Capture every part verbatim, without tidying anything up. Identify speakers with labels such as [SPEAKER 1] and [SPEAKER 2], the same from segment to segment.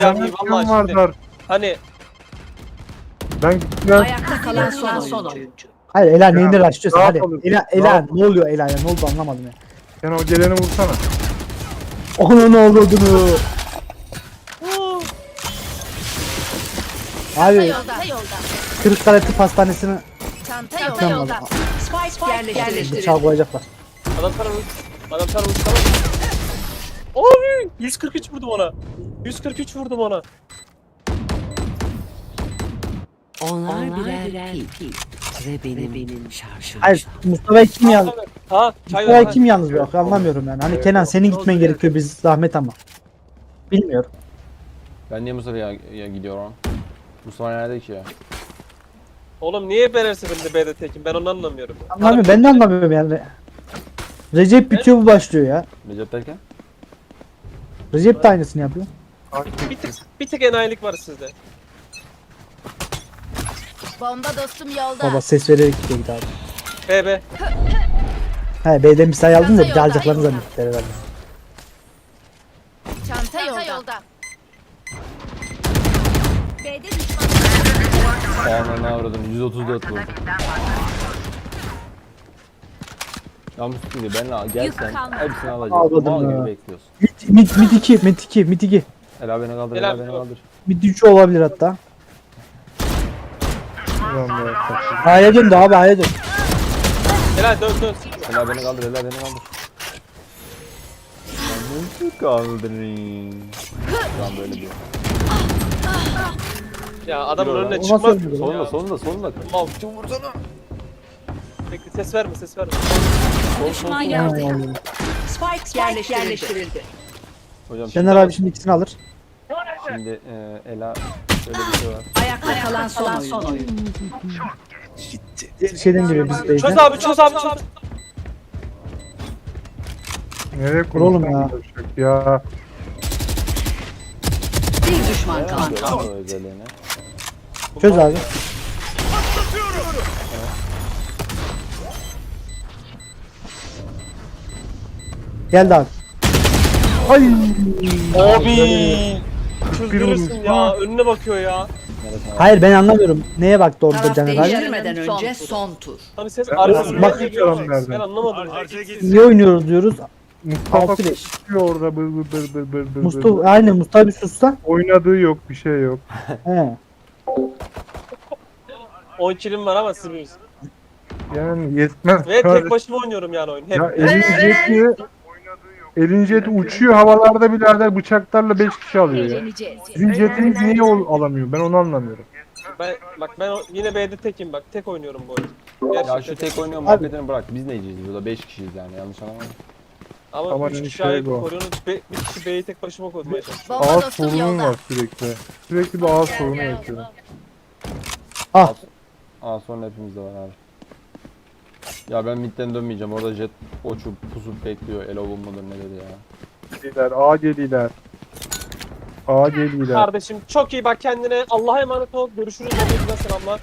[SPEAKER 1] Yani vallahi şimdi,
[SPEAKER 2] vardır.
[SPEAKER 1] hani
[SPEAKER 2] Ben gitmem.
[SPEAKER 3] Ayakta kalan son son oyuncu.
[SPEAKER 4] Hayır Ela
[SPEAKER 2] Ya,
[SPEAKER 4] neyini raşlıyorsun
[SPEAKER 2] rahat
[SPEAKER 4] hadi.
[SPEAKER 2] olun,
[SPEAKER 4] Ela, Ela
[SPEAKER 2] rahat
[SPEAKER 4] ne oluyor Ela ya ne oldu anlamadım ya.
[SPEAKER 2] Sen o geleni vursana.
[SPEAKER 4] Onun ne olduğunu. Abi
[SPEAKER 3] Yolda yolda.
[SPEAKER 4] Kırıkkale Tıp Hastanesi'ne
[SPEAKER 3] Çanta
[SPEAKER 4] yolda.
[SPEAKER 3] yolda. Spike yerleştirildi.
[SPEAKER 4] bıçağı koyacaklar.
[SPEAKER 1] adam sana vur. Adam sana vur. Tamam. Abi yüz kırk üç vurdum ona. yüz kırk üç vurdum ona.
[SPEAKER 5] Onlar birer pil ve benim, benim şarjım.
[SPEAKER 4] Hayır Mustafa'yı kim
[SPEAKER 1] Ha,
[SPEAKER 4] yalnız?
[SPEAKER 1] ha çay ver.
[SPEAKER 4] Mustafa'yı
[SPEAKER 1] ha.
[SPEAKER 4] kim yalnız bırakıyor anlamıyorum yani. Hani Kenan senin gitmen gerekiyor biz zahmet ama. Bilmiyorum.
[SPEAKER 6] Ben niye Mustafa'ya ya gidiyorum? Mustafa nerede ki ya?
[SPEAKER 1] Oğlum niye ben her seferinde B'de tekim? Ben onu anlamıyorum.
[SPEAKER 4] Anlamıyorum ben de anlamıyorum yani. Recep bitiyor bu başlıyor ya.
[SPEAKER 6] Recep derken?
[SPEAKER 4] Recep de aynısını yapıyor.
[SPEAKER 1] Bir tık, bir tık enayilik var sizde.
[SPEAKER 3] Bomba dostum yolda.
[SPEAKER 4] Baba ses vererek gidiyor bir daha.
[SPEAKER 1] B B.
[SPEAKER 4] He B'den bir sayı aldın da bir de alacaklarını zannettiler herhalde.
[SPEAKER 3] Çanta yolda. B'de düşman.
[SPEAKER 6] Aa ne avradın yüz otuz dört vurdu. Ya Mustafa benle
[SPEAKER 3] Yük
[SPEAKER 6] gelsen
[SPEAKER 3] kalmadı.
[SPEAKER 6] hepsini alacağım.
[SPEAKER 4] Almadım
[SPEAKER 6] Mal
[SPEAKER 4] ya.
[SPEAKER 6] gibi bekliyorsun.
[SPEAKER 4] Mid, mid, mid iki, mid iki, mid iki.
[SPEAKER 6] Ela beni kaldır,
[SPEAKER 1] Ela,
[SPEAKER 6] Ela beni
[SPEAKER 1] yok.
[SPEAKER 6] kaldır.
[SPEAKER 4] Mid üç olabilir hatta.
[SPEAKER 2] Ulan be, kaçırdım.
[SPEAKER 4] A'ya döndü abi A'ya dön.
[SPEAKER 1] Helal dön dön.
[SPEAKER 6] Ela beni kaldır, Ela beni kaldır. Ben nasıl kaldırayım? Şu an böyle diyor.
[SPEAKER 1] Ya adamın
[SPEAKER 6] Yürü
[SPEAKER 1] önüne
[SPEAKER 6] lan.
[SPEAKER 4] O nasıl
[SPEAKER 1] çıkmaz.
[SPEAKER 4] öldü?
[SPEAKER 6] Solunda, solunda, solunda.
[SPEAKER 1] Mal kim vursana. Bekle ses verme ses verme.
[SPEAKER 3] Düşman
[SPEAKER 4] Ha,
[SPEAKER 3] yerde.
[SPEAKER 4] yani.
[SPEAKER 3] Spike yerleştirildi.
[SPEAKER 6] Hocam
[SPEAKER 4] Şener abi şimdi ikisini alır.
[SPEAKER 6] şimdi e, Ela şöyle bir şey var.
[SPEAKER 3] Ayakta kalan son oyuncu.
[SPEAKER 4] Şeyden geliyor biz
[SPEAKER 1] Çöz
[SPEAKER 4] beyden.
[SPEAKER 1] abi çöz abi çöz.
[SPEAKER 2] Nereye
[SPEAKER 4] Dur oğlum
[SPEAKER 2] konuşsam
[SPEAKER 4] ya.
[SPEAKER 2] konuşacak ya.
[SPEAKER 3] Bir düşman
[SPEAKER 6] Ne
[SPEAKER 3] kaldı.
[SPEAKER 6] yapıyor lan o özelliğine?
[SPEAKER 4] Çöz abi. Geldi abi. Ay.
[SPEAKER 1] Abi. Çıldırırsın
[SPEAKER 2] vurmuş.
[SPEAKER 1] ya.
[SPEAKER 2] Ha.
[SPEAKER 1] Önüne bakıyor ya.
[SPEAKER 6] Neresine
[SPEAKER 4] Hayır ben anlamıyorum. Neye baktı orada
[SPEAKER 3] Taraf
[SPEAKER 4] Caner abi?
[SPEAKER 3] değiştirmeden önce son tur.
[SPEAKER 1] Hani ses
[SPEAKER 2] Ben-
[SPEAKER 1] arkasından
[SPEAKER 2] bak-
[SPEAKER 1] geliyor.
[SPEAKER 2] bakıyorum
[SPEAKER 1] Ben anlamadım.
[SPEAKER 4] Niye oynuyoruz diyoruz.
[SPEAKER 2] Mustafa
[SPEAKER 4] Altı beş.
[SPEAKER 2] konuşuyor orada bır bır bır bır bır bır.
[SPEAKER 4] Mustafa aynen Mustafa bir sussa.
[SPEAKER 2] Oynadığı yok, bir şey yok.
[SPEAKER 4] He.
[SPEAKER 1] on kilim var ama siz bilirsiniz.
[SPEAKER 2] Yani yetmez.
[SPEAKER 1] Ve
[SPEAKER 2] Kardeşim.
[SPEAKER 1] tek başıma oynuyorum yani oyun. Hep.
[SPEAKER 2] Ya elin jeti, elin jeti uçuyor havalarda birader bıçaklarla beş kişi alıyor ya. Sizin jetiniz niye ol- alamıyor? Ben onu anlamıyorum.
[SPEAKER 1] Ben bak ben o- yine B'de tekim bak. Tek oynuyorum bu oyunu.
[SPEAKER 6] Ya
[SPEAKER 1] Gerçekten
[SPEAKER 6] şu tek oynuyor
[SPEAKER 4] Abi-
[SPEAKER 6] muhabbetini bırak. Biz neyiciyiz burada? beş kişiyiz yani yanlış anlama.
[SPEAKER 1] Ama
[SPEAKER 2] Ama
[SPEAKER 1] üç
[SPEAKER 2] hani
[SPEAKER 1] kişi
[SPEAKER 2] şey
[SPEAKER 1] ayıp
[SPEAKER 2] bu.
[SPEAKER 1] koruyorsunuz. Be, bir kişi B'yi tek başıma korumaya çalışıyor.
[SPEAKER 3] Bomba
[SPEAKER 2] Ağız
[SPEAKER 3] dostum
[SPEAKER 2] sorunum
[SPEAKER 3] yolda.
[SPEAKER 2] var sürekli. Sürekli bir ağız sorunu yaşıyorum.
[SPEAKER 4] Ah.
[SPEAKER 6] Aa sonra hepimizde var abi. Ya ben midden dönmeyeceğim. Orada jet uçup pusup bekliyor. Elo bulmadır ne dedi ya.
[SPEAKER 2] Geliler, A geliler. A geliler.
[SPEAKER 1] Kardeşim çok iyi bak kendine. Allah'a emanet ol. Görüşürüz. Hepinize selamlar.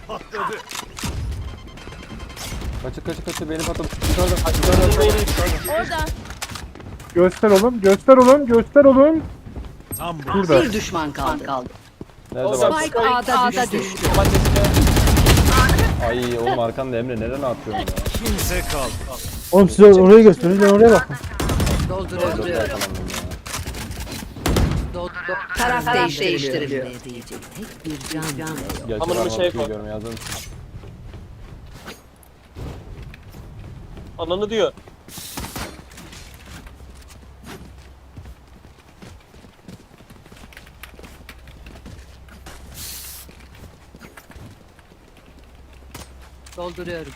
[SPEAKER 6] Kaçı kaçı kaçı beni patladı. Yukarıda.
[SPEAKER 3] Orada.
[SPEAKER 2] Göster oğlum, göster oğlum, göster oğlum. Burada.
[SPEAKER 3] Bir düşman kaldı.
[SPEAKER 6] Nerede
[SPEAKER 1] Hocam,
[SPEAKER 6] var?
[SPEAKER 3] Spike A'da düştü.
[SPEAKER 6] Ay oğlum arkanda Emre nereden atıyorsun ya?
[SPEAKER 4] Oğlum siz or- oraya gösterin ben oraya bakın.
[SPEAKER 3] Dolduruyorum.
[SPEAKER 6] Dört yakalandım ya.
[SPEAKER 3] Taraf değiştiriliyor.
[SPEAKER 5] Diyecek tek bir can bile yok.
[SPEAKER 6] Gerçi
[SPEAKER 1] Amına
[SPEAKER 6] ben
[SPEAKER 1] bir şey
[SPEAKER 6] bakıyor
[SPEAKER 1] koy.
[SPEAKER 6] görmeye hazır mısın?
[SPEAKER 1] Ananı diyor.
[SPEAKER 3] Dolduruyorum.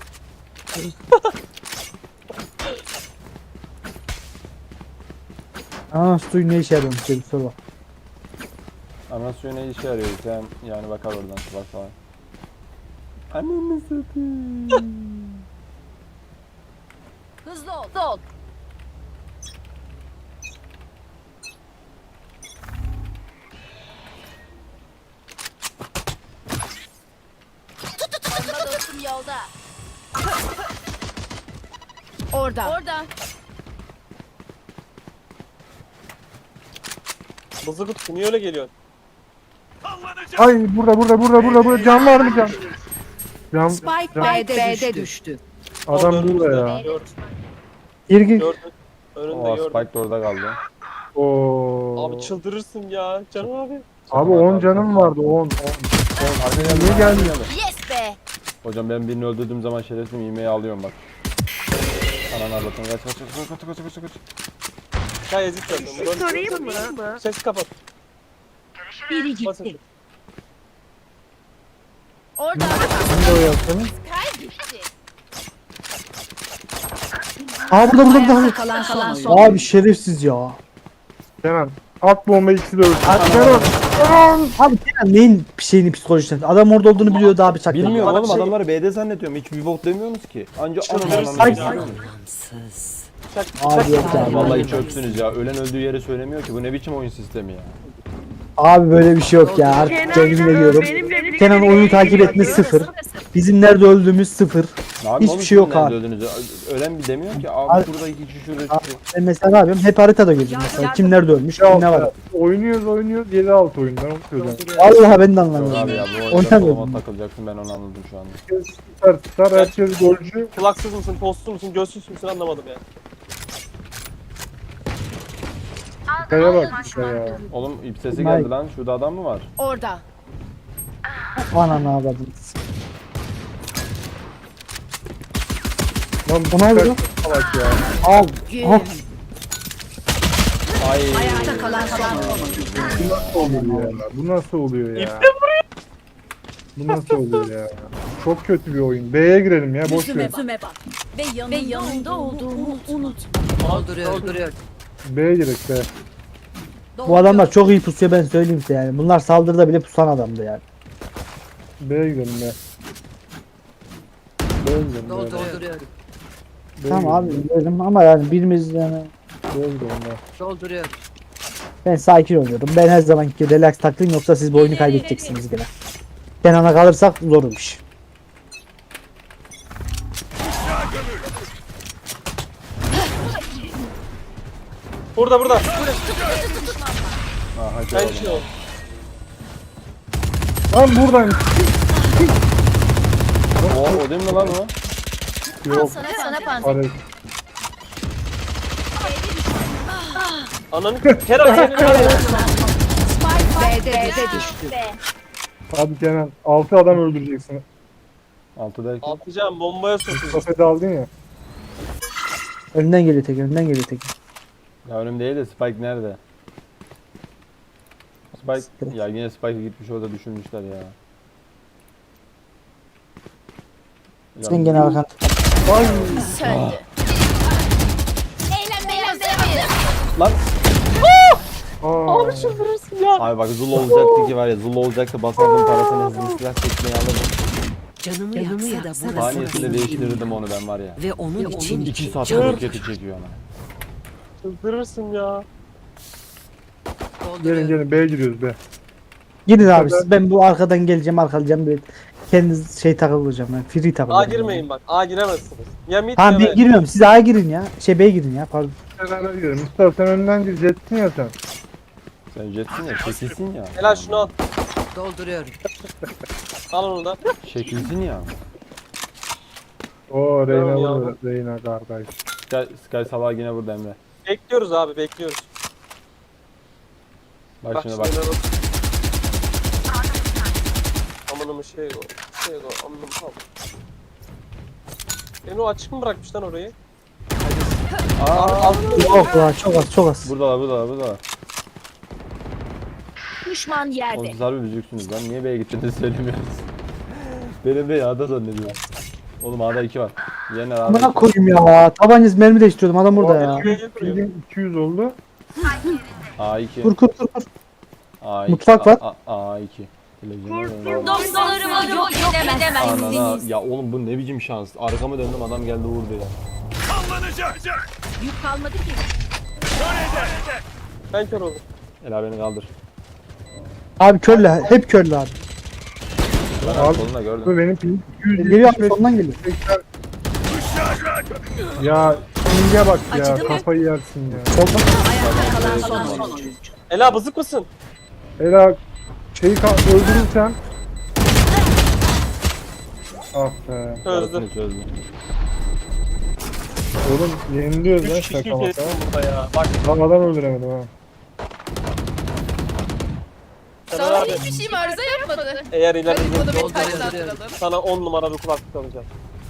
[SPEAKER 4] Aa suyu ne işe yarıyormuş diye bir soru var.
[SPEAKER 6] Ana suyu ne işe yarıyor? Sen yani bakar oradan bak falan. Ananı satayım.
[SPEAKER 3] Hızlı ol. Hızlı ol. Bomba dostum yolda. Orada. Orada.
[SPEAKER 1] Bızı kutu niye öyle geliyorsun?
[SPEAKER 2] Ay burada burada burada burada burada can var mı can? Can,
[SPEAKER 3] Spike
[SPEAKER 2] can.
[SPEAKER 3] B'de düştü.
[SPEAKER 2] Adam
[SPEAKER 1] Gördüm,
[SPEAKER 2] burada ya.
[SPEAKER 1] Gördüm.
[SPEAKER 4] Gir gir.
[SPEAKER 1] Gördüm. Önünde
[SPEAKER 6] O
[SPEAKER 1] gördüm.
[SPEAKER 6] Spike de orada kaldı.
[SPEAKER 2] Oo.
[SPEAKER 1] Abi çıldırırsın ya canım abi.
[SPEAKER 2] Abi on canım vardı on. on. Niye gelmiyor?
[SPEAKER 3] Yes be.
[SPEAKER 6] Hocam ben birini öldürdüğüm zaman şerefsiz yemeği alıyorum bak. Ananı avlatın kaç kaç kaç kaç kaç kaç kaç kaç.
[SPEAKER 1] Çay ezik gördüm.
[SPEAKER 7] Sorayım mı?
[SPEAKER 1] Ses kapat.
[SPEAKER 3] Biri
[SPEAKER 1] Basın.
[SPEAKER 3] gitti. Orada.
[SPEAKER 2] Şimdi o yaptığını.
[SPEAKER 3] Kaybetti.
[SPEAKER 4] Aa burada burada
[SPEAKER 3] Ayakta
[SPEAKER 4] burada.
[SPEAKER 3] kalan son son.
[SPEAKER 4] Abi şerefsiz ya.
[SPEAKER 2] Kenan at bombayı ikisi de ölsün. Kenan. Kenan.
[SPEAKER 4] Abi Kenan neyin şeyini psikolojisini? Adam orada olduğunu biliyordu abi çaktı.
[SPEAKER 6] Bilmiyorum
[SPEAKER 1] Bana
[SPEAKER 6] oğlum
[SPEAKER 1] şey-
[SPEAKER 6] adamları B'de zannediyorum. Hiç bir bok demiyorsunuz ki. Anca
[SPEAKER 1] Çıldırırsın
[SPEAKER 6] ananı
[SPEAKER 1] ya.
[SPEAKER 5] Gamsız.
[SPEAKER 1] Çak,
[SPEAKER 4] Abi
[SPEAKER 1] çak.
[SPEAKER 4] yok ya.
[SPEAKER 6] Vallahi hiç öpsünüz ya. Ölen öldüğü yeri söylemiyor ki. Bu ne biçim oyun sistemi ya.
[SPEAKER 4] Abi böyle bir şey yok ya. Artık
[SPEAKER 7] Kenan,
[SPEAKER 4] kendime diyorum.
[SPEAKER 7] benimle birlikte
[SPEAKER 4] Kenan oyunu
[SPEAKER 7] nereye
[SPEAKER 4] takip etmesi
[SPEAKER 7] gidiyorsun?
[SPEAKER 4] sıfır. Bizim nerede öldüğümüz sıfır.
[SPEAKER 6] Ne yapayım
[SPEAKER 4] Hiçbir
[SPEAKER 6] oğlum,
[SPEAKER 4] şey yok
[SPEAKER 6] kimden
[SPEAKER 4] abi.
[SPEAKER 6] öldüğünüzü? Ölen bir demiyor ki. Abi
[SPEAKER 4] Abi-
[SPEAKER 6] şurada iki kişi şurada iki
[SPEAKER 4] Abi,
[SPEAKER 6] kişi.
[SPEAKER 4] ben mesela ne yapıyorum? Hep haritada gözüm mesela. Kim nerede ölmüş,
[SPEAKER 2] Ya,
[SPEAKER 4] kim ne var.
[SPEAKER 2] oynuyoruz oynuyoruz yedi altı oyun ben onu söylüyorum.
[SPEAKER 4] Vallahi ben de
[SPEAKER 6] Yok
[SPEAKER 4] anlamıyorum.
[SPEAKER 6] abi ya bu oyunda
[SPEAKER 4] Oynamıyorum.
[SPEAKER 6] soluma takılacaksın ben onu anladım şu anda.
[SPEAKER 2] Herkes tutar tutar herkes golcü.
[SPEAKER 1] Kulaksız mısın, postsuz musun, gözsüz müsün anlamadım ya.
[SPEAKER 2] Kaya bak işte ya.
[SPEAKER 6] Oğlum ip sesi
[SPEAKER 4] Mike.
[SPEAKER 6] geldi lan. Şurada adam mı var?
[SPEAKER 3] Orada.
[SPEAKER 4] Ananı avradınız.
[SPEAKER 2] Lan bu
[SPEAKER 4] O ne yapıyor?
[SPEAKER 2] salak ya.
[SPEAKER 4] Al.
[SPEAKER 3] Gün.
[SPEAKER 4] Al.
[SPEAKER 6] Ay.
[SPEAKER 3] Ayakta kalan son.
[SPEAKER 2] Bu nasıl oluyor ya? Bu nasıl oluyor ya? Bu nasıl oluyor ya? Çok kötü bir oyun. B'ye girelim ya boş ver.
[SPEAKER 3] Yüzüme bak. Ve yanında, Ve yanında olduğumu unut. Dolduruyor. Dolduruyor.
[SPEAKER 2] B'ye girek B.
[SPEAKER 4] Bu adamlar çok iyi pusuyor ben söyleyeyim size yani. Bunlar saldırıda bile pusan adamdı yani.
[SPEAKER 2] B'ye girelim B. B'ye girelim B.
[SPEAKER 3] Dolduruyor.
[SPEAKER 2] B'ye
[SPEAKER 4] Tamam
[SPEAKER 2] girelim,
[SPEAKER 4] abi biliyorum ama yani birimiz yani
[SPEAKER 2] B'ye girelim B.
[SPEAKER 3] Dolduruyor.
[SPEAKER 4] ben sakin oluyorum. Ben her zamanki relax taklayayım yoksa siz bu oyunu kaybedeceksiniz gene. Kenan'a kalırsak zormuş.
[SPEAKER 1] Burada burada.
[SPEAKER 6] Aha
[SPEAKER 1] Ben
[SPEAKER 6] gördüm.
[SPEAKER 1] şey ol.
[SPEAKER 2] Lan buradan.
[SPEAKER 6] O, o değil mi lan o?
[SPEAKER 2] Yok.
[SPEAKER 3] Sana sana panzer.
[SPEAKER 2] Paret.
[SPEAKER 1] Ananı Kerem senin var ya.
[SPEAKER 3] Spike B'de düştü.
[SPEAKER 2] Hadi Kenan. altı adam öldüreceksin.
[SPEAKER 6] Altı derken.
[SPEAKER 1] Atacağım bombaya sokacağım.
[SPEAKER 2] Kafede aldın ya.
[SPEAKER 4] Önden geliyor tek, önden geliyor tek.
[SPEAKER 6] Ya önüm değil de Spike nerede? Spike
[SPEAKER 4] Spike.
[SPEAKER 6] ya yine Spike'ı gitmiş orada düşünmüşler ya. Ya
[SPEAKER 4] Sen gene arkan.
[SPEAKER 3] Söndü. Eğlenmeye hazır.
[SPEAKER 6] Lan
[SPEAKER 2] Aa.
[SPEAKER 1] Abi çıldırırsın ya.
[SPEAKER 6] abi bak Zul olacaktı ki var ya Zul olacaktı basardım parasını hızlı silah çekmeyi alırdım.
[SPEAKER 5] Canımı,
[SPEAKER 3] Canımı
[SPEAKER 5] yaksa da
[SPEAKER 3] yaksa da
[SPEAKER 5] burası
[SPEAKER 6] Saniyesinde
[SPEAKER 5] benim
[SPEAKER 6] değiştirirdim onu ben var ya.
[SPEAKER 5] Ve onun için
[SPEAKER 6] İki saat
[SPEAKER 5] canım
[SPEAKER 6] roketi çekiyor ana.
[SPEAKER 1] Çıldırırsın ya.
[SPEAKER 2] Gelin gelin B'ye giriyoruz B.
[SPEAKER 4] Gidin abi siz. Ben bu arkadan geleceğim arkalayacağım bir kendi şey takılacağım ben. Free takılacağım.
[SPEAKER 1] A girmeyin bak. A giremezsiniz. Ya mid
[SPEAKER 4] Tamam
[SPEAKER 1] ya
[SPEAKER 4] ben
[SPEAKER 1] B.
[SPEAKER 4] girmiyorum. Siz A'ya girin ya. Şey B'ye girin ya pardon.
[SPEAKER 2] Beraber girelim. Mustafa sen önden gir. Jetsin ya sen.
[SPEAKER 6] Sen jetsin ya çekilsin ya.
[SPEAKER 1] Helal şunu al.
[SPEAKER 3] Dolduruyor.
[SPEAKER 1] Al onu da.
[SPEAKER 6] Çekilsin ya.
[SPEAKER 2] Oo Reyna
[SPEAKER 1] Tamam ya.
[SPEAKER 2] burada. Reyna kardeş.
[SPEAKER 6] Sky, Sky sabah yine burada Emre.
[SPEAKER 1] Bekliyoruz abi bekliyoruz.
[SPEAKER 6] Bak,
[SPEAKER 1] Bak
[SPEAKER 6] şimdi
[SPEAKER 1] şimdi
[SPEAKER 6] bak.
[SPEAKER 1] bak. Amanımı şey o. Şey o. Amanım tam. Beni o açık mı bırakmış lan orayı?
[SPEAKER 6] Aa,
[SPEAKER 1] Al.
[SPEAKER 4] Yok lan çok az çok az.
[SPEAKER 6] buradalar buradalar buradalar.
[SPEAKER 3] Düşman
[SPEAKER 6] Oğlum
[SPEAKER 3] yerde.
[SPEAKER 6] siz harbi büzüksünüz lan. Niye B'ye gittiğini söylemiyorsunuz. Benim B'yi A'da zannediyorum. Oğlum A'da iki var. Yener A'da
[SPEAKER 4] Amına
[SPEAKER 6] iki.
[SPEAKER 4] koyayım ya. Tabancası mermi değiştiriyordum adam burada ya.
[SPEAKER 2] Pingin iki yüz oldu.
[SPEAKER 6] A iki.
[SPEAKER 4] Kur kur kur kur.
[SPEAKER 6] A iki.
[SPEAKER 4] Mutfak var.
[SPEAKER 6] A, A, A iki. Televizyonu
[SPEAKER 3] Dostlarımı yok edemezsiniz.
[SPEAKER 6] Anana ya oğlum bu ne biçim şans. Arkamı döndüm adam geldi vurdu ya.
[SPEAKER 3] Yük kalmadı ki.
[SPEAKER 1] Ben kör oldum.
[SPEAKER 6] Ela beni kaldır.
[SPEAKER 4] Abi körle hep körle abi.
[SPEAKER 6] Ben
[SPEAKER 2] Abi,
[SPEAKER 6] solunda gördüm.
[SPEAKER 2] Bu benim ping iki yüz
[SPEAKER 4] Geliyor
[SPEAKER 2] yetmiş
[SPEAKER 4] abi
[SPEAKER 2] beş.
[SPEAKER 4] sondan geliyor.
[SPEAKER 2] Ya Ping'e bak ya,
[SPEAKER 3] Acıdı mı?
[SPEAKER 2] kafayı yersin ya.
[SPEAKER 4] Solda.
[SPEAKER 3] Ayakta kalan son oyuncu.
[SPEAKER 1] Ela bızık mısın?
[SPEAKER 2] Ela şeyi ka- öldürürsen. Ah be.
[SPEAKER 1] Çözdüm.
[SPEAKER 6] Parasını çözdüm.
[SPEAKER 2] Oğlum yeniliyoruz lan
[SPEAKER 1] Üç kişi
[SPEAKER 2] şaka maka.
[SPEAKER 1] kestim burada ya. Bak
[SPEAKER 2] Lan adam öldüremedim ha.
[SPEAKER 1] Caner
[SPEAKER 7] Sana
[SPEAKER 1] abi
[SPEAKER 7] hiçbir şeyim arıza yapmadı.
[SPEAKER 1] eğer ileride
[SPEAKER 7] Bunu bir
[SPEAKER 5] Dolduruyorum.
[SPEAKER 7] taşlandıralım.
[SPEAKER 1] sana on numara bir kulaklık alacağım.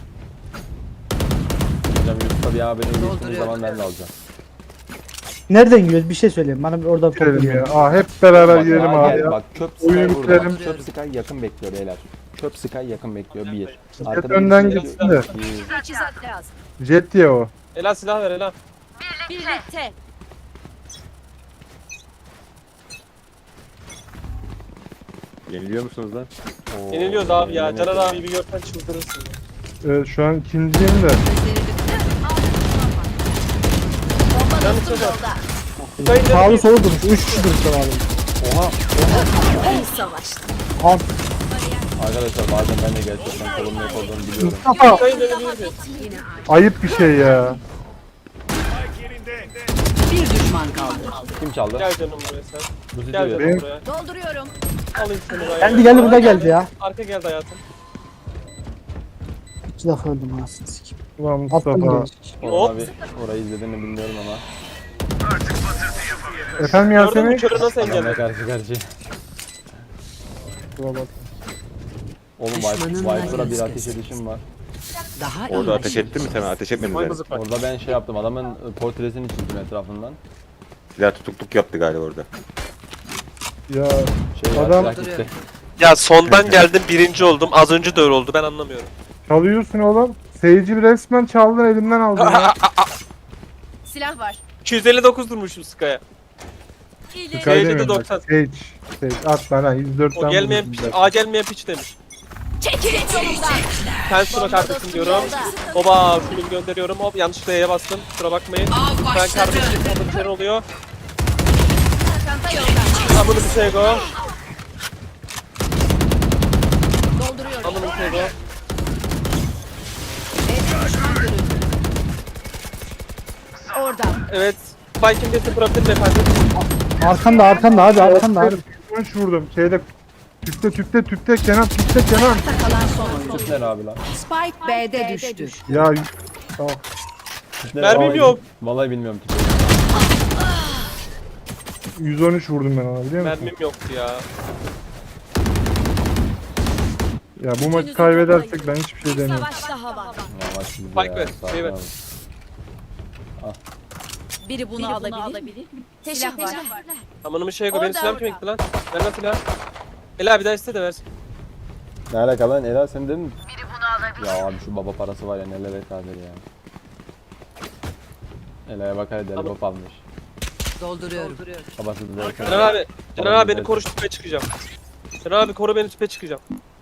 [SPEAKER 6] Hocam Yusuf'a bir abi beni öldürdüğünüz
[SPEAKER 5] Dolduruyorum.
[SPEAKER 6] zaman ben de alacağım.
[SPEAKER 4] Nereden yiyoruz? Bir şey söyleyeyim. Bana bir oradan top
[SPEAKER 2] Girelim
[SPEAKER 4] veriyor.
[SPEAKER 2] ya. Aa hep beraber
[SPEAKER 6] Bak,
[SPEAKER 2] girelim
[SPEAKER 6] sağa
[SPEAKER 2] abi
[SPEAKER 6] gel,
[SPEAKER 2] ya.
[SPEAKER 6] Bak çöp
[SPEAKER 2] Oyunu
[SPEAKER 6] Sky burada.
[SPEAKER 2] bitirelim.
[SPEAKER 6] Çöp Sky yakın bekliyor beyler. Çöp Sky yakın bekliyor bir.
[SPEAKER 2] Jet önden
[SPEAKER 6] birisi
[SPEAKER 2] gitsin de.
[SPEAKER 6] iki.
[SPEAKER 3] Teçhizat lazım.
[SPEAKER 2] Jet diye o.
[SPEAKER 1] Ela silah ver Ela.
[SPEAKER 3] Birlikte.
[SPEAKER 8] Yeniliyor musunuz lan?
[SPEAKER 6] Oo,
[SPEAKER 1] Yeniliyoruz abi ya.
[SPEAKER 6] yemin
[SPEAKER 1] Caner
[SPEAKER 6] ederim.
[SPEAKER 1] abi bir görsen çıldırırsın.
[SPEAKER 2] Evet şu an ikinciyim de.
[SPEAKER 3] Bomba
[SPEAKER 1] Canım
[SPEAKER 3] dostum
[SPEAKER 1] çok
[SPEAKER 3] yolda.
[SPEAKER 1] Kayın
[SPEAKER 4] Sağlı solu durmuş. Üç kişi durmuş abi.
[SPEAKER 6] Oha.
[SPEAKER 3] İyi savaştı.
[SPEAKER 4] Al.
[SPEAKER 6] Arkadaşlar bazen ben de gerçekten kolum yok olduğunu biliyorum.
[SPEAKER 2] Mustafa
[SPEAKER 1] Kayın dönebilir mi?
[SPEAKER 2] ayıp bir şey ya.
[SPEAKER 5] Bir düşman kaldı.
[SPEAKER 6] Kim çaldı?
[SPEAKER 1] Gel canım buraya sen.
[SPEAKER 6] Bu sizi
[SPEAKER 1] Gel
[SPEAKER 6] ver.
[SPEAKER 1] canım
[SPEAKER 2] Benim-
[SPEAKER 1] buraya.
[SPEAKER 3] Dolduruyorum.
[SPEAKER 1] Alayım seni buraya.
[SPEAKER 4] Geldi geldi burada geldi ya.
[SPEAKER 1] Arka geldi hayatım.
[SPEAKER 4] İki defa öldüm anasını sikeyim.
[SPEAKER 2] Ulan
[SPEAKER 4] Attım
[SPEAKER 2] Mustafa.
[SPEAKER 4] gelecek.
[SPEAKER 6] Orhan abi orayı izlediğini bilmiyorum ama.
[SPEAKER 2] Efendim
[SPEAKER 1] Gördün mü
[SPEAKER 2] Yasemin?
[SPEAKER 1] körü nasıl
[SPEAKER 6] Adamla
[SPEAKER 1] engelledi?
[SPEAKER 6] karşı karşıya.
[SPEAKER 2] Dur bak.
[SPEAKER 6] Oğlum
[SPEAKER 5] Düşmanın
[SPEAKER 6] Viper'a bir
[SPEAKER 5] var
[SPEAKER 6] ateş edişim var.
[SPEAKER 5] Daha
[SPEAKER 8] Orada
[SPEAKER 5] iyi.
[SPEAKER 8] ateş ettin mi sen? Ateş etmedin
[SPEAKER 1] Vay
[SPEAKER 8] mi?
[SPEAKER 1] bızık bak.
[SPEAKER 6] Orada ben şey yaptım adamın e, portresini çizdim etrafından.
[SPEAKER 8] Silah tutukluk yaptı galiba orada.
[SPEAKER 2] Ya
[SPEAKER 6] Şey
[SPEAKER 2] Adam-
[SPEAKER 6] Adam... gitti.
[SPEAKER 1] Ya sondan geldim birinci oldum. Az önce de öyle oldu ben anlamıyorum.
[SPEAKER 2] çalıyorsun oğlum. Seyirci resmen çaldın elimden aldın ya.
[SPEAKER 7] Silah var.
[SPEAKER 1] iki yüz elli dokuz durmuşum Sky'a.
[SPEAKER 2] Sky
[SPEAKER 1] Seyirci de
[SPEAKER 2] demiyorum bak.
[SPEAKER 1] doksan.
[SPEAKER 2] Sage. Sage at bana yüz dört
[SPEAKER 1] O
[SPEAKER 2] tane
[SPEAKER 1] gelmeyen
[SPEAKER 2] vurdum
[SPEAKER 1] piç,
[SPEAKER 2] zaten.
[SPEAKER 1] A gelmeyen piç demiş.
[SPEAKER 3] Çekilin yolumdan.
[SPEAKER 1] Sen şuna kardeşim diyorum. Oba film gönderiyorum. Hop yanlış D'ye bastım. Kusura bakmayın. Ben kardeşim orada bir şey oluyor.
[SPEAKER 7] Çanta yolda.
[SPEAKER 1] Amını bir şey go.
[SPEAKER 7] Dolduruyorum.
[SPEAKER 1] Amını bir şey go.
[SPEAKER 7] Evde düşman görüldü.
[SPEAKER 3] Orada.
[SPEAKER 1] Evet. Viking desi bırakın efendim.
[SPEAKER 4] Arkanda arkanda abi arkanda abi.
[SPEAKER 2] yüz üç vurdum. Şeyde tüpte tüpte tüpte Kenan tüpte Kenan.
[SPEAKER 3] Ayakta kalan son oyuncu.
[SPEAKER 6] Tüpler abi lan.
[SPEAKER 3] Spike B'de düştü.
[SPEAKER 2] Ya tamam.
[SPEAKER 6] Tüpler
[SPEAKER 1] Mermim
[SPEAKER 6] vallahi-
[SPEAKER 1] yok.
[SPEAKER 6] Vallahi bilmiyorum tüpleri.
[SPEAKER 2] yüz on üç vurdum ben ona biliyor musun?
[SPEAKER 1] Mermim yoktu ya.
[SPEAKER 2] Ya bu maçı kaybedersek ben hiçbir şey demiyorum.
[SPEAKER 3] Savaş daha var.
[SPEAKER 6] Yavaş şimdi
[SPEAKER 1] Spike
[SPEAKER 6] ya,
[SPEAKER 1] ver,
[SPEAKER 6] sakin
[SPEAKER 1] şey ver.
[SPEAKER 6] abi.
[SPEAKER 3] Biri bunu alabilir.
[SPEAKER 7] Silah var.
[SPEAKER 1] Amını bir şey go. Benim
[SPEAKER 7] Orada,
[SPEAKER 1] silahım kime
[SPEAKER 7] orada.
[SPEAKER 1] gitti lan? Ver lan silahı. Ela bir daha iste de versin.
[SPEAKER 6] Ne alaka lan Ela sen de mi? Biri bunu alabilir. Ya abi şu baba parası var ya neler etadir ya. Ela'ya bak hadi deli pop almış.
[SPEAKER 5] Dolduruyorum.
[SPEAKER 6] Babası da derken.
[SPEAKER 1] Caner abi. Caner abi beni
[SPEAKER 6] Evet.
[SPEAKER 1] koru tüpe çıkacağım. Caner abi koru beni tüpe çıkacağım.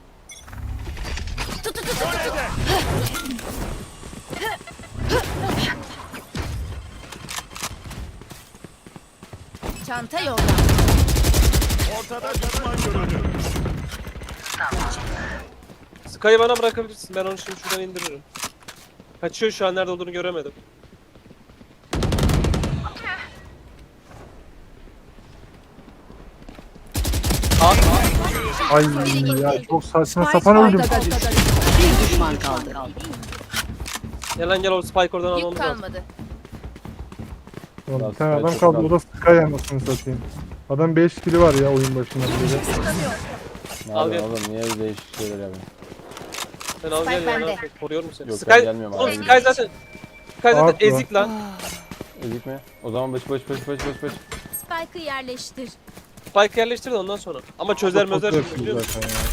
[SPEAKER 7] Çanta yolda.
[SPEAKER 1] Sky'ı bana bırakabilirsin. Ben onu şimdi şuradan indiririm. Kaçıyor şu an nerede olduğunu göremedim. Aa,
[SPEAKER 2] Ay ya çok saçma sapan öldüm.
[SPEAKER 3] Ortada düştü.
[SPEAKER 5] Bir düşman kaldı.
[SPEAKER 1] gel lan gel o Spike oradan
[SPEAKER 7] Yük
[SPEAKER 1] almamız lazım.
[SPEAKER 7] kalmadı.
[SPEAKER 2] Ulan bir tane adam kaldı o da Sky anasını satayım. Adam beş kili var ya oyun başında bile.
[SPEAKER 6] Ne
[SPEAKER 1] Al
[SPEAKER 6] yapıyorsun
[SPEAKER 1] gel.
[SPEAKER 6] oğlum niye değişik şeyler yapıyorsun?
[SPEAKER 1] Sen al gel
[SPEAKER 7] Spike
[SPEAKER 1] ya.
[SPEAKER 7] bende.
[SPEAKER 1] Koruyorum seni.
[SPEAKER 6] Yok,
[SPEAKER 1] Sky,
[SPEAKER 6] ben gelmiyorum
[SPEAKER 1] oğlum
[SPEAKER 6] abi.
[SPEAKER 1] Sky zaten Sky zaten
[SPEAKER 2] Haklı.
[SPEAKER 1] ezik lan.
[SPEAKER 6] Ezik mi? O zaman baş baş baş baş baş baş.
[SPEAKER 7] Spike'ı yerleştir.
[SPEAKER 1] Spike yerleştir de ondan sonra. Ama çözer mözer
[SPEAKER 2] Çok
[SPEAKER 1] şimdi biliyor musun?
[SPEAKER 2] zaten ya.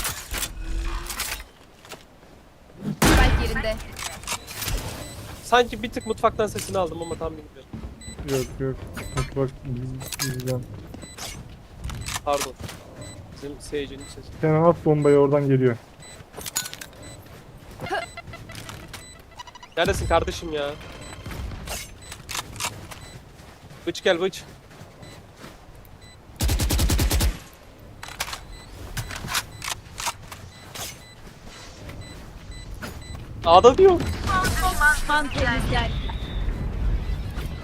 [SPEAKER 7] Spike yerinde.
[SPEAKER 1] Sanki bir tık mutfaktan sesini aldım ama tam bilmiyorum.
[SPEAKER 2] Yok yok. Mutfak bizden.
[SPEAKER 1] Pardon. Bizim seyircinin sesi.
[SPEAKER 2] Kenan at bombayı oradan geliyor.
[SPEAKER 1] Neredesin kardeşim ya? Bıç gel bıç. A'da diyor.
[SPEAKER 3] Man temizler.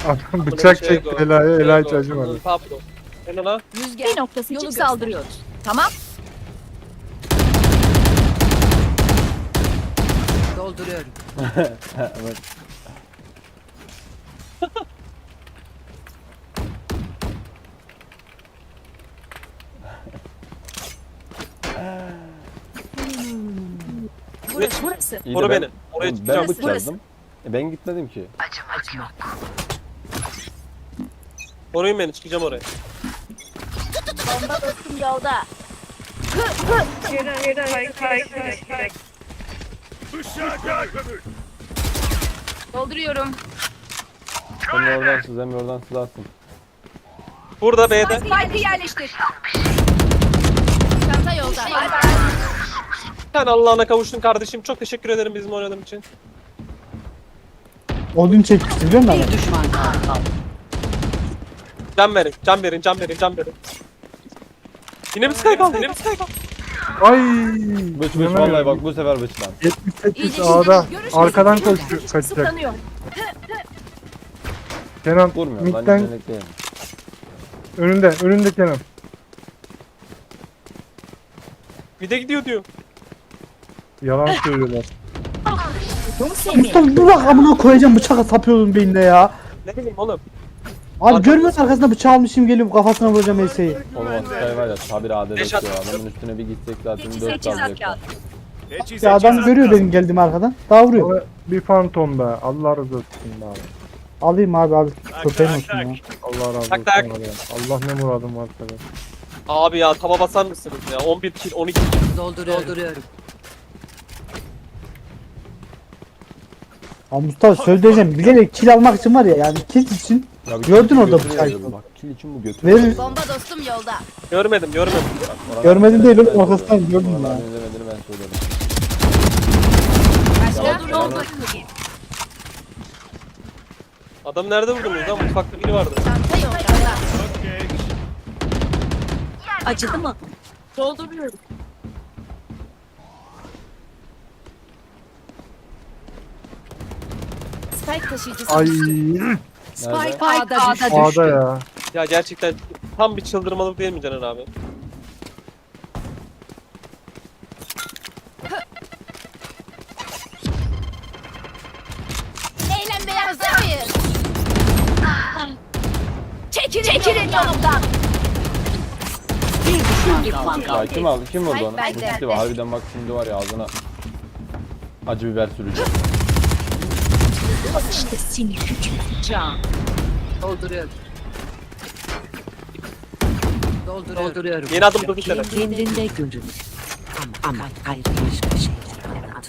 [SPEAKER 2] Adam bıçak çekti Ela'ya, Ela hiç acımadı.
[SPEAKER 1] Pablo. Sen ona.
[SPEAKER 7] Bir noktası için saldırıyoruz. Tamam.
[SPEAKER 5] Dolduruyorum.
[SPEAKER 6] Evet.
[SPEAKER 7] Burası. Burası.
[SPEAKER 6] İyi de
[SPEAKER 1] Koru
[SPEAKER 6] ben-
[SPEAKER 1] beni. Oraya
[SPEAKER 6] Oğlum,
[SPEAKER 1] çıkacağım.
[SPEAKER 6] ben bıçakladım. E ben gitmedim ki.
[SPEAKER 1] Koruyun beni, çıkacağım oraya.
[SPEAKER 7] Bomba dostum yolda. Dolduruyorum.
[SPEAKER 6] Emre oradan sız, Emre oradan sızlarsın.
[SPEAKER 1] Burada B'de.
[SPEAKER 7] Spike'ı yerleştir. Çanta yolda.
[SPEAKER 1] Sen Allah'ına kavuştun kardeşim. Çok teşekkür ederim bizim oynadığın için.
[SPEAKER 4] Odun çekmişti biliyor musun?
[SPEAKER 5] Bir düşman kaldı.
[SPEAKER 1] Can verin, can verin, can verin, can verin. Yine bir Sky kaldı, yine bir Sky kaldı.
[SPEAKER 2] Ay.
[SPEAKER 6] Bıç bıç
[SPEAKER 2] inanamıyorum.
[SPEAKER 6] vallahi bak bu sefer bıç lan.
[SPEAKER 2] yetmiş sekiz
[SPEAKER 7] İyice
[SPEAKER 2] A'da
[SPEAKER 7] şimdi görüş
[SPEAKER 2] arkadan
[SPEAKER 7] görüş.
[SPEAKER 2] koşuyor, kaçacak.
[SPEAKER 7] Sıklanıyor.
[SPEAKER 2] Kenan
[SPEAKER 6] Vurmuyorum ben
[SPEAKER 2] midden
[SPEAKER 6] yetenekliyim.
[SPEAKER 2] önünde, önünde Kenan.
[SPEAKER 1] Bir de gidiyor diyor.
[SPEAKER 2] Yalan söylüyorlar.
[SPEAKER 4] Mustafa dur bak amına koyacağım bıçakla sapıyordun beynine ya.
[SPEAKER 1] Ne bileyim oğlum.
[SPEAKER 4] Abi görmüyor musun arkasında bıçağı almışım geliyorum kafasına vuracağım Elsa'yı.
[SPEAKER 6] Oğlum o Sky var ya tabir adet
[SPEAKER 1] Beş
[SPEAKER 6] ediyor.
[SPEAKER 1] at-
[SPEAKER 6] Adamın üstüne bir gitsek zaten dört
[SPEAKER 7] Teçhizat
[SPEAKER 6] kalacak.
[SPEAKER 7] kağıdı.
[SPEAKER 4] Ya adam görüyor benim geldiğimi arkadan. Daha vuruyor.
[SPEAKER 2] Ama bir fantom be. Allah razı olsun be abi.
[SPEAKER 4] Alayım abi abi. Köpeğin olsun ya.
[SPEAKER 2] Allah razı olsun
[SPEAKER 1] Tak, tak.
[SPEAKER 2] abi. Allah ne muradım varsa be.
[SPEAKER 1] Abi ya tava basar mısınız ya? on bir kill, on iki kill.
[SPEAKER 5] Dolduruyorum. Dolduruyorum.
[SPEAKER 4] Ya Mustafa söyleyeceğim bilerek kill almak için var ya yani kill için
[SPEAKER 6] Ya bir
[SPEAKER 4] Gördün
[SPEAKER 6] kill
[SPEAKER 4] orada
[SPEAKER 6] götürüyor
[SPEAKER 4] bıçağı.
[SPEAKER 6] dedim. Bak kill için bu götürüyor.
[SPEAKER 4] verir.
[SPEAKER 7] Bomba dostum yolda.
[SPEAKER 1] Görmedim, görmedim.
[SPEAKER 6] Oradan
[SPEAKER 4] Görmedim değil oğlum,
[SPEAKER 6] ben
[SPEAKER 4] arkasından
[SPEAKER 6] söylüyorum.
[SPEAKER 4] gördüm
[SPEAKER 6] Oradan
[SPEAKER 4] ya.
[SPEAKER 6] izlemediğini ben söylüyorum.
[SPEAKER 7] Başka? Doldur.
[SPEAKER 1] Adam nerede vurdunuz lan? Mutfakta biri vardı.
[SPEAKER 7] Çanta yolda.
[SPEAKER 3] Acıdı mı?
[SPEAKER 7] Dolduruyorum. Spike taşıyıcısı.
[SPEAKER 2] Ay.
[SPEAKER 5] Spike
[SPEAKER 6] Nerede?
[SPEAKER 5] A'da düştü.
[SPEAKER 2] A'da ya.
[SPEAKER 1] Ya gerçekten tam bir çıldırmalık değil mi Caner abi?
[SPEAKER 7] Eğlenmeye hazır mıyız? Çekilin, Çekilin yolumdan.
[SPEAKER 5] Bir düşman kaldı.
[SPEAKER 6] Ya kim aldı? Kim vurdu onu?
[SPEAKER 7] Ben de.
[SPEAKER 6] Musti var. Harbiden bak şimdi var ya ağzına acı biber süreceğim.
[SPEAKER 3] İşte seni hükmeteceğim.
[SPEAKER 5] Dolduruyorum. Dolduruyorum. Dolduruyorum.
[SPEAKER 1] Yeni adım dur bir tane.
[SPEAKER 5] Kendinde görünür. Ama, ama ayrı başka şeyler anlatıyor.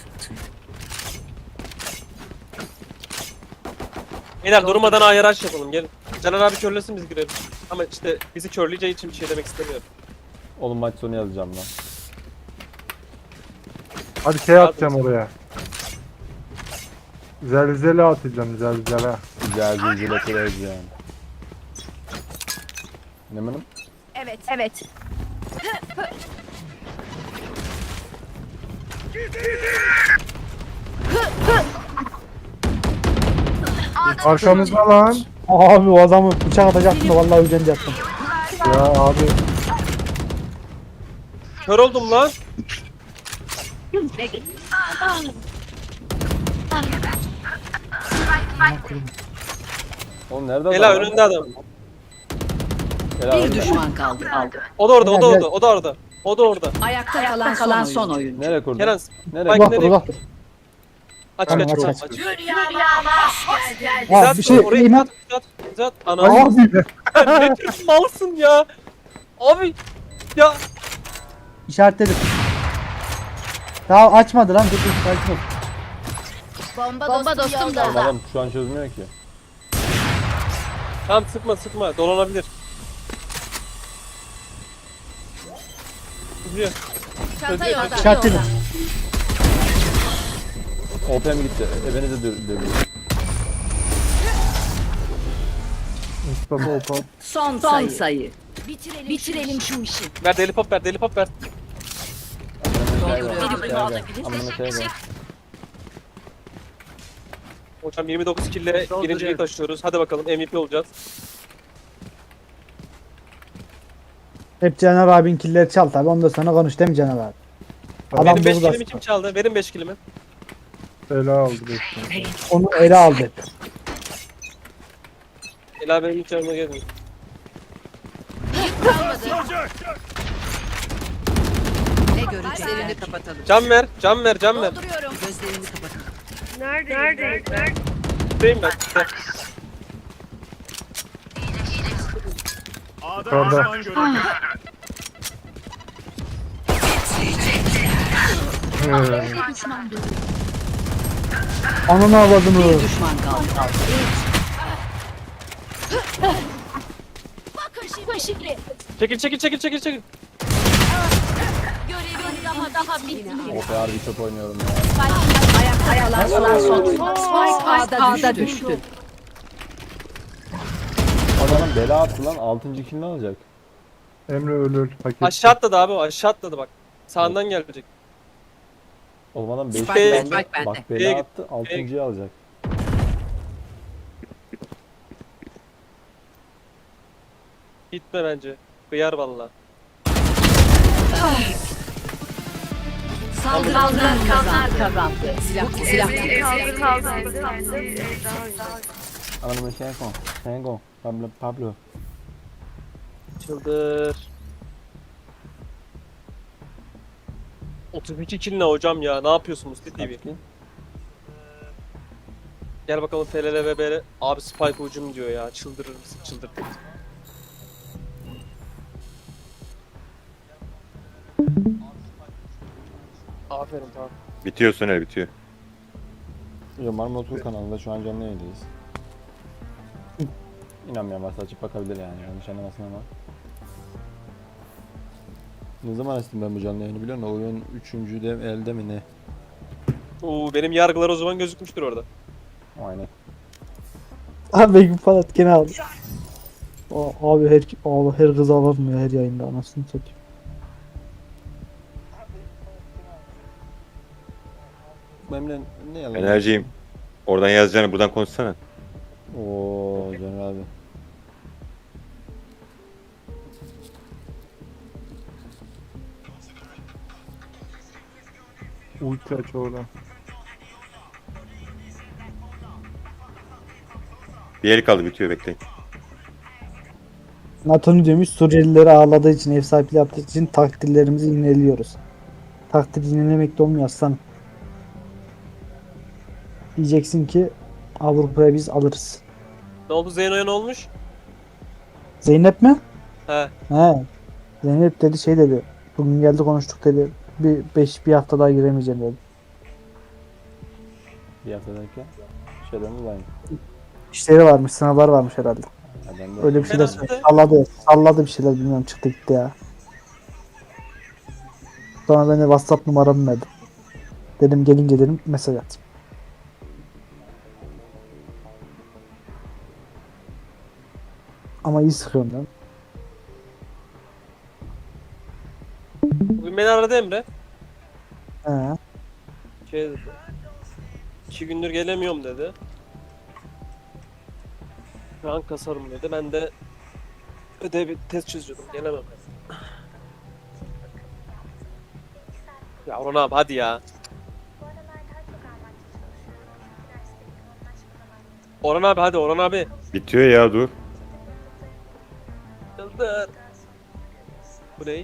[SPEAKER 1] Beyler durmadan ayaraç yapalım gelin. Caner abi körlesin biz girelim. Ama işte bizi körleyeceği için bir şey demek istemiyorum.
[SPEAKER 6] Oğlum maç sonu yazacağım lan.
[SPEAKER 2] Hadi şey atacağım oraya. Zelzele atacağım zelzele.
[SPEAKER 6] Güzel zincirle kırarız yani. Ne benim?
[SPEAKER 7] Evet, evet.
[SPEAKER 2] Arkamızda lan.
[SPEAKER 4] Abi o adamı bıçak atacaktım da vallahi ölecektim.
[SPEAKER 2] Ya abi.
[SPEAKER 1] Kör oldum lan.
[SPEAKER 6] Oğlum nerede
[SPEAKER 1] Ela
[SPEAKER 6] adam?
[SPEAKER 1] önünde adam.
[SPEAKER 6] Ela
[SPEAKER 5] Bir
[SPEAKER 6] önünde.
[SPEAKER 5] düşman kaldı. Aldı.
[SPEAKER 1] O da orada, o da
[SPEAKER 4] Helal,
[SPEAKER 1] orada, o da orada. O da orada.
[SPEAKER 5] Ayakta kalan, kalan son oyuncu.
[SPEAKER 6] Nereye kurdun?
[SPEAKER 1] Kenan,
[SPEAKER 6] Nereye
[SPEAKER 1] Bak
[SPEAKER 6] kurdun?
[SPEAKER 4] Uzak
[SPEAKER 1] nereye?
[SPEAKER 4] uzak.
[SPEAKER 1] Aç
[SPEAKER 4] Tamam,
[SPEAKER 1] aç
[SPEAKER 4] aç,
[SPEAKER 1] aç.
[SPEAKER 4] aç.
[SPEAKER 1] aç.
[SPEAKER 4] Ya
[SPEAKER 1] Zat
[SPEAKER 4] bir şey
[SPEAKER 1] oraya
[SPEAKER 4] iman.
[SPEAKER 1] zat zat zat. Ana.
[SPEAKER 2] Abi.
[SPEAKER 1] Ne tür malsın ya. Abi. Ya.
[SPEAKER 4] İşaretledim. Daha açmadı lan dur dur sakin ol.
[SPEAKER 7] Bomba, Bomba dostum
[SPEAKER 6] Oğlum
[SPEAKER 7] yolda.
[SPEAKER 6] adam şu an çözmüyor ki.
[SPEAKER 1] Tamam sıkma sıkma. Dolanabilir. Gidiyor.
[SPEAKER 7] Çanta yolda.
[SPEAKER 4] İşaretledim.
[SPEAKER 6] O P M gitti. Ebenize dövüyor.
[SPEAKER 2] Mustafa Okan.
[SPEAKER 5] Son, sayı. sayı.
[SPEAKER 7] Bitirelim,
[SPEAKER 3] Bitirelim şu işi.
[SPEAKER 1] Ver deli pop ver deli pop ver.
[SPEAKER 6] Amına şey var.
[SPEAKER 3] Biri
[SPEAKER 6] Gel
[SPEAKER 3] bunu
[SPEAKER 6] gel.
[SPEAKER 3] alabilir.
[SPEAKER 6] Amına şey var.
[SPEAKER 1] Hocam yirmi dokuz kille birinciliği taşıyoruz. Hadi bakalım M V P olacağız.
[SPEAKER 4] Hep Caner abin killeri çal tabi ondan sonra konuş değil mi Caner abi? Adam
[SPEAKER 1] Benim beş
[SPEAKER 4] dolu
[SPEAKER 1] kilimi
[SPEAKER 4] da
[SPEAKER 1] kim çaldı? Verin beş kilimi.
[SPEAKER 2] Ela aldı beş.
[SPEAKER 4] onu ele aldı.
[SPEAKER 1] Ela benim hiç yanıma gelmiyor.
[SPEAKER 5] Ne göreceklerini kapatalım.
[SPEAKER 1] Can ver, can ver, can ver.
[SPEAKER 7] Dolduruyorum.
[SPEAKER 5] Gözlerini kapatalım.
[SPEAKER 9] Neredeyiz?
[SPEAKER 1] Buradayım ben.
[SPEAKER 2] Orada. Ee,
[SPEAKER 4] Ananı avladını.
[SPEAKER 5] Düşman kaldı.
[SPEAKER 7] Bakın şimdi. Şimdi.
[SPEAKER 1] Çekil, çekil, çekil, çekil, çekil.
[SPEAKER 7] Görevin daha daha bitmedi.
[SPEAKER 6] Of ya harbi kötü oynuyorum ya.
[SPEAKER 5] Ayakta kalan son oyuncu. Spike A'da düştü.
[SPEAKER 6] Adamın bela attı lan altıncı kill ne alacak?
[SPEAKER 2] Emre öl öl. Hak etti.
[SPEAKER 1] Aşağı atladı abi o, aşağı atladı bak. Sağından gelecek.
[SPEAKER 6] Oğlum adam beş
[SPEAKER 5] Spike
[SPEAKER 6] kill
[SPEAKER 1] bende,
[SPEAKER 6] aldı.
[SPEAKER 5] spike bende.
[SPEAKER 6] Bak
[SPEAKER 1] B'ye
[SPEAKER 6] bela
[SPEAKER 1] git,
[SPEAKER 6] attı altıncıyı alacak.
[SPEAKER 1] Gitme bence. Kıyar valla.
[SPEAKER 5] Saldıranlar kazandı. Silah silah.
[SPEAKER 9] Kaldır kaldır.
[SPEAKER 6] Anamı Şengo. Şengo. Pablo. Pablo.
[SPEAKER 1] Çıldır. otuz iki kill ne hocam ya? Ne yapıyorsunuz T V?
[SPEAKER 6] Kaç kill?
[SPEAKER 1] Gel bakalım F L L V B R. Abi Spike ucum diyor ya. Çıldırır mısın? Çıldır. Aferin tamam.
[SPEAKER 8] Bitiyor Soner bitiyor.
[SPEAKER 6] Yo Marmara Tur kanalında şu an canlı yayındayız. İnanmayan varsa açıp bakabilir yani yanlış anlamasın ama. Ne zaman açtım ben bu canlı yayını biliyor musun? Oyun üçüncü de elde mi ne?
[SPEAKER 1] Oo benim yargılar o zaman gözükmüştür orada.
[SPEAKER 6] Aynen.
[SPEAKER 4] Abi Begüm Palat gene aldı. Aa, abi her abi her kız alamıyor her yayında anasını satayım.
[SPEAKER 6] Memle ne yalan?
[SPEAKER 8] Enerjiyim. Oradan yazacağını buradan konuşsana.
[SPEAKER 6] Oo Caner abi.
[SPEAKER 2] Ulti aç oradan.
[SPEAKER 8] Bir el kaldı bitiyor bekleyin.
[SPEAKER 4] NATO'nu demiş Suriyelileri ağladığı için ev sahipliği yaptığı için takdirlerimizi yineliyoruz. Takdir yinelemekte olmuyor aslan. Diyeceksin ki Avrupa'ya biz alırız.
[SPEAKER 1] Ne oldu Zeyno'ya ne olmuş?
[SPEAKER 4] Zeynep mi?
[SPEAKER 1] He.
[SPEAKER 4] He. Zeynep dedi şey dedi. Bugün geldi konuştuk dedi. Bir beş bir hafta daha giremeyeceğim dedi.
[SPEAKER 6] Bir hafta derken şeyden dolayı.
[SPEAKER 4] İşleri varmış, sınavlar varmış herhalde.
[SPEAKER 6] Ya ben de
[SPEAKER 4] Öyle bir şeyler
[SPEAKER 1] Herhalde.
[SPEAKER 4] söyledi. Salladı. Salladı bir şeyler bilmiyorum çıktı gitti ya. Sonra ben de WhatsApp numaramı verdim. Dedim gelince dedim mesaj at. Ama iyi sıkıyorum ben.
[SPEAKER 1] Bugün beni aradı Emre.
[SPEAKER 4] He.
[SPEAKER 1] Şey dedi. İki gündür gelemiyorum dedi. Şu an kasarım dedi. Ben de ödev test çözüyordum. Gelemem. Ya Orhan abi hadi ya. Orhan abi hadi Orhan abi.
[SPEAKER 8] Bitiyor ya dur.
[SPEAKER 1] Yıldır. Bu ne?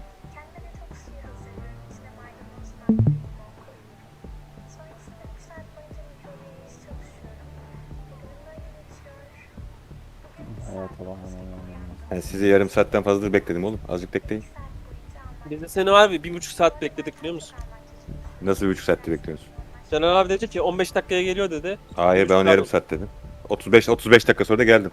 [SPEAKER 6] hayata bak.
[SPEAKER 8] Yani sizi yarım saatten fazladır bekledim oğlum. Azıcık bekleyin.
[SPEAKER 1] Biz de seni var bir buçuk saat bekledik biliyor musun?
[SPEAKER 8] Nasıl bir buçuk saattir bekliyorsunuz?
[SPEAKER 1] Caner abi dedi ki on beş dakikaya geliyor dedi.
[SPEAKER 8] Hayır ben ona yarım saat dedim. otuz beş otuz beş dakika sonra da geldim.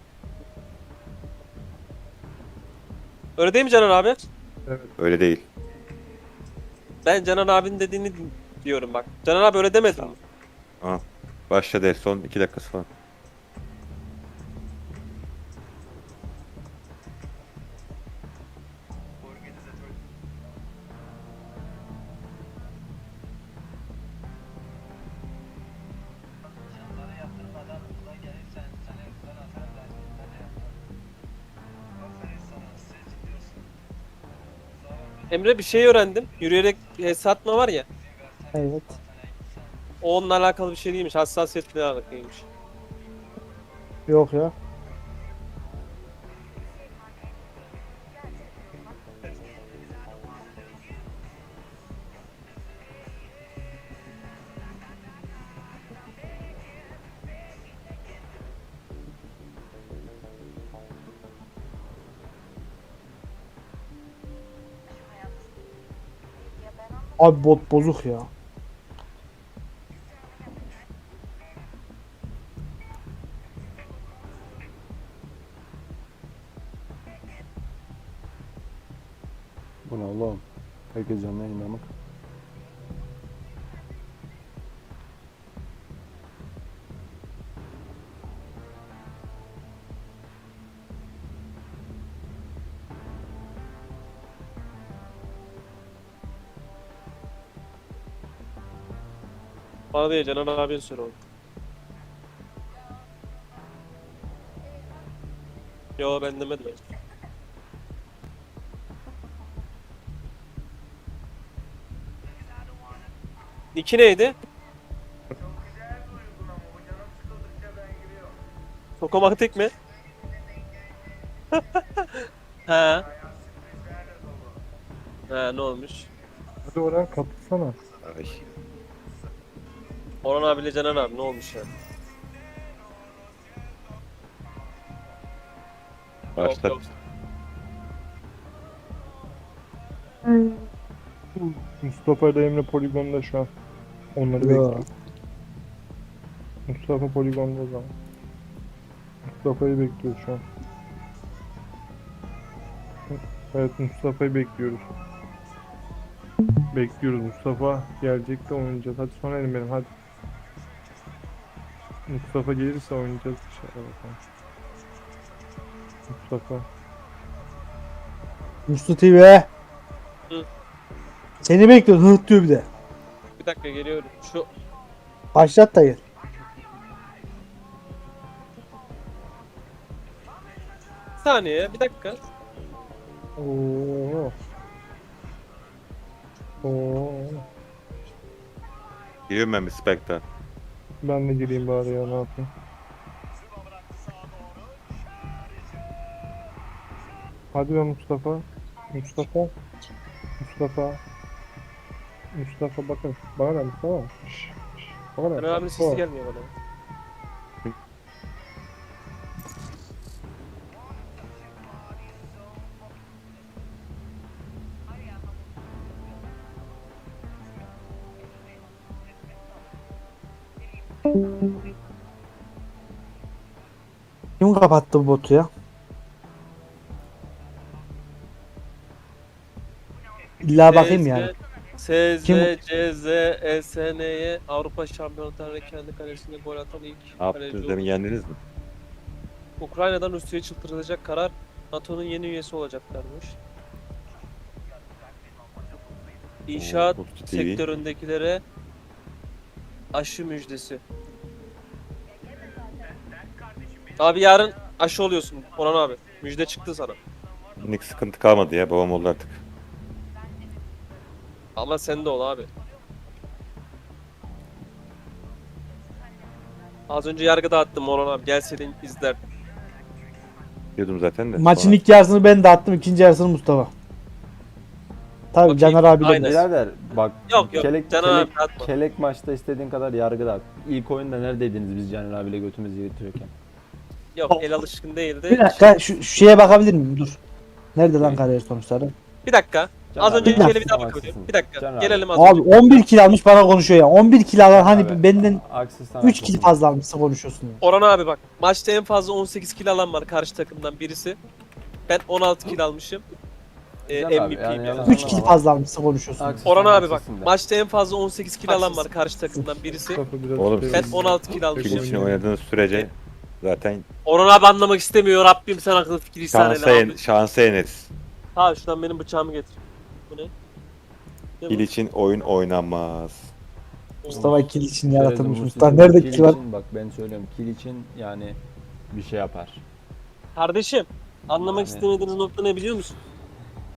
[SPEAKER 1] Öyle değil mi Caner abi?
[SPEAKER 8] Öyle değil.
[SPEAKER 1] Ben Caner abinin dediğini diyorum bak. Caner abi öyle demedi mi?
[SPEAKER 8] Aha. Başladı son iki dakikası falan.
[SPEAKER 1] Emre bir şey öğrendim. Yürüyerek e, satma var ya.
[SPEAKER 4] Evet.
[SPEAKER 1] O onunla alakalı bir şey değilmiş. Hassasiyetle alakalıymış.
[SPEAKER 4] Yok ya. Abi bot bozuk ya.
[SPEAKER 6] Bu ne oğlum? Herkes canlı yayında mı?
[SPEAKER 1] Bana değil Canan abinin söyle onu. Yo ben demedim. Niki neydi? Tokomatik mi? Ha. Ha ne olmuş?
[SPEAKER 2] Hadi Orhan katılsana.
[SPEAKER 8] Ay.
[SPEAKER 1] Orhan abiyle Canan abi ne olmuş yani?
[SPEAKER 8] Başlat.
[SPEAKER 1] Yok, yok.
[SPEAKER 2] Mustafa ile Emre poligonda şu an. Onları
[SPEAKER 4] Ya.
[SPEAKER 2] bekliyor. Mustafa poligonda o zaman. Mustafa'yı bekliyor şu an. Evet Mustafa'yı bekliyoruz. Bekliyoruz Mustafa gelecek de oynayacağız. Hadi son elim benim hadi. Mustafa gelirse oynayacağız inşallah bakalım. Mustafa.
[SPEAKER 4] Mustafa T V.
[SPEAKER 1] Hı.
[SPEAKER 4] Seni bekliyoruz. Hıht diyor bir de.
[SPEAKER 1] Bir dakika geliyorum. Şu
[SPEAKER 4] Başlat da gel.
[SPEAKER 1] bir saniye bir dakika.
[SPEAKER 2] Oo. Oo.
[SPEAKER 8] Giriyorum ben bir Spectre.
[SPEAKER 2] Ben de gireyim bari ya ne yapayım. Hadi be Mustafa. Mustafa. Mustafa. Mustafa bakın. Bana ne Mustafa? Şşş, şşş. Bana ne?
[SPEAKER 1] Canan abinin sesi
[SPEAKER 2] Mustafa.
[SPEAKER 1] gelmiyor bana.
[SPEAKER 4] Kim kapattı bu botu ya? İlla bakayım yani.
[SPEAKER 1] S Z,
[SPEAKER 4] Kim?
[SPEAKER 1] C Z, E S N'ye Avrupa Şampiyonası'nda kendi kalesinde gol atan ilk
[SPEAKER 8] Ne
[SPEAKER 1] kaleci
[SPEAKER 8] yaptınız
[SPEAKER 1] oldu.
[SPEAKER 8] demin yendiniz mi?
[SPEAKER 1] Ukrayna'dan Rusya'ya çıldırılacak karar NATO'nun yeni üyesi olacaklarmış. İnşaat
[SPEAKER 8] Oo, Burcu T V.
[SPEAKER 1] sektöründekilere aşı müjdesi. Abi yarın aşı oluyorsun Orhan abi. Müjde çıktı sana.
[SPEAKER 8] Minik sıkıntı kalmadı ya, babam oldu artık.
[SPEAKER 1] Allah sen de ol abi. Az önce yargı dağıttım Orhan abi. Gelseydin izler.
[SPEAKER 8] Diyordum zaten de.
[SPEAKER 4] Maçın
[SPEAKER 8] sonra-
[SPEAKER 4] ilk yarısını ben dağıttım, ikinci yarısını Mustafa. Tabii
[SPEAKER 1] Okey,
[SPEAKER 4] Caner abi de
[SPEAKER 1] aynen.
[SPEAKER 6] Birader bak
[SPEAKER 1] Yok, yok,
[SPEAKER 6] kelek,
[SPEAKER 1] Caner
[SPEAKER 6] kelek,
[SPEAKER 1] abi atma.
[SPEAKER 6] kelek maçta istediğin kadar yargı dağıt. İlk oyunda neredeydiniz biz Caner abiyle götümüzü yırtıyorken?
[SPEAKER 1] Yok el alışkın değildi.
[SPEAKER 4] Bir dakika şu, şu şeye bakabilir miyim? Dur. Nerede lan kariyer sonuçları?
[SPEAKER 1] Bir dakika.
[SPEAKER 6] Caner
[SPEAKER 1] Az
[SPEAKER 6] abi,
[SPEAKER 1] önce
[SPEAKER 4] Bir dakika.
[SPEAKER 1] bir daha
[SPEAKER 6] haksızsın.
[SPEAKER 1] bakıyorum. Bir dakika.
[SPEAKER 6] Caner
[SPEAKER 1] Gelelim az
[SPEAKER 4] Abi
[SPEAKER 1] önce.
[SPEAKER 4] on bir kill almış bana konuşuyor ya. on bir kill alan hani
[SPEAKER 6] Abi,
[SPEAKER 4] benden
[SPEAKER 6] Haksızsan
[SPEAKER 4] üç kill
[SPEAKER 6] haklısın.
[SPEAKER 4] fazla almışsa konuşuyorsun ya.
[SPEAKER 1] Orhan abi bak. Maçta en fazla on sekiz kill alan var karşı takımdan birisi. Ben on altı kill almışım. Ee,
[SPEAKER 6] Güzel abi,
[SPEAKER 1] M V P'yim
[SPEAKER 6] yani
[SPEAKER 1] yani.
[SPEAKER 6] yalan-
[SPEAKER 4] üç kill fazla almışsa konuşuyorsun.
[SPEAKER 6] Haksızsan
[SPEAKER 1] Orhan abi bak.
[SPEAKER 6] haksızsın de.
[SPEAKER 1] Maçta en fazla on sekiz kill alan var karşı takımdan birisi.
[SPEAKER 2] Mustafa biraz
[SPEAKER 8] Oğlum,
[SPEAKER 2] şey-
[SPEAKER 1] Ben on altı kill
[SPEAKER 8] Pil
[SPEAKER 1] almışım.
[SPEAKER 8] için oynadığınız sürece zaten
[SPEAKER 1] Orhan abi anlamak istemiyor. Rabbim sen akıl fikir ihsan
[SPEAKER 8] şansa,
[SPEAKER 1] eyle
[SPEAKER 8] en,
[SPEAKER 1] abi.
[SPEAKER 8] şansa yeneriz.
[SPEAKER 1] Ha şuradan benim bıçağımı getir. Bu ne? Ne bu?
[SPEAKER 8] Pil için oyun oynanmaz.
[SPEAKER 4] Mustafa kill için
[SPEAKER 6] Şöyle
[SPEAKER 4] yaratılmış.
[SPEAKER 6] de
[SPEAKER 4] Mustafa
[SPEAKER 6] Mustafa
[SPEAKER 4] nerede
[SPEAKER 6] kill
[SPEAKER 4] kill var?
[SPEAKER 6] için Bak ben söylüyorum kill için yani bir şey yapar.
[SPEAKER 1] Kardeşim anlamak
[SPEAKER 6] Yani-
[SPEAKER 1] istemediğiniz nokta ne biliyor musun?